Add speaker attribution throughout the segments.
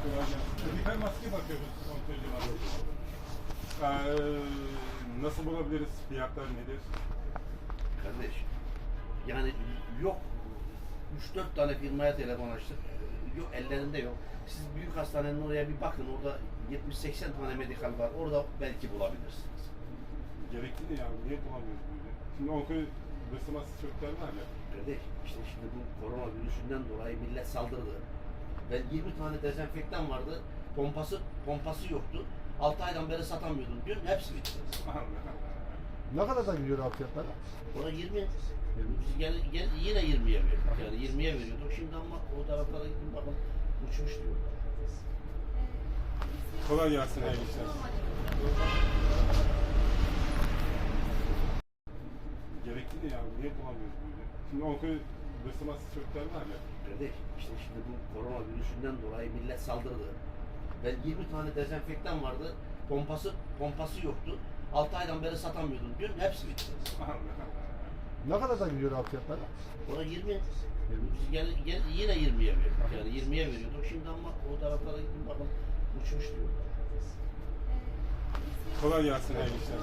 Speaker 1: Medikal maske bakıyoruz son tercümanı. Nasıl bulabiliriz? Fiyatlar nedir?
Speaker 2: Kardeş, yani yok 3-4 tane firmaya telefon açtık. Yok, ellerinde yok. Siz büyük hastanenin oraya bir bakın. Orada 70-80 tane medikal var. Orada belki bulabilirsiniz.
Speaker 1: Gerekli de ya. Niye bulamıyoruz böyle? Şimdi onkoyu basılması çocuklar var ya.
Speaker 2: Kardeş, işte şimdi bu korona virüsünden dolayı millet saldırdı. Ben 20 tane dezenfektan vardı. Pompası yoktu. 6 aydan beri satamıyordum. Dün hepsi bitti.
Speaker 1: Allah Allah.
Speaker 3: Ne kadar gidiyor abi fiyatları?
Speaker 2: Ona 20. Biz yine 20'ye verdik. Yani 20'ye veriyorduk. Şimdi ama o taraflara gittim bakın uçmuş diyor.
Speaker 1: Kolay gelsin hayırlı işler. Gerekli de ya. Niye bulamıyoruz böyle? Şimdi onkoyu basılması çocuklar var ya.
Speaker 2: Kardeş, işte şimdi bu korona virüsünden dolayı millet saldırdı. Ben 20 tane dezenfektan vardı. Pompası yoktu. 6 aydan beri satamıyordum. Dün hepsi bitti.
Speaker 1: Allah Allah.
Speaker 3: Ne kadar gidiyor abi fiyatları?
Speaker 2: Ona 20. Biz yine 20'ye verdik. Yani 20'ye veriyorduk. Şimdi ama o taraflara gittim bakın uçmuş diyor.
Speaker 1: Kolay gelsin hayırlı işler.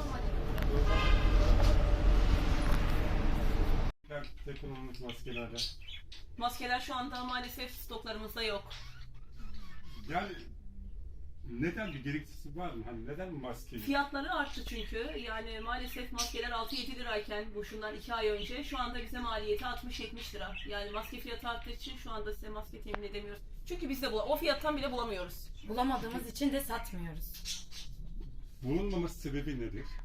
Speaker 1: Teknolojik maskelerden.
Speaker 4: Maskeler şu anda maalesef stoklarımızda yok.
Speaker 1: Yani neden bir gereksizlik var mı? Hani neden maske?
Speaker 4: Fiyatları arttı çünkü. Yani maalesef maskeler 6-7 lirayken bu şundan 2 ay önce şu anda bize maliyeti 60-70 lira. Yani maske fiyatı arttığı için şu anda size maske temin edemiyoruz. Çünkü biz de o fiyattan bile bulamıyoruz.
Speaker 5: Bulamadığımız için de satmıyoruz.
Speaker 1: Bulunmaması sebebi nedir?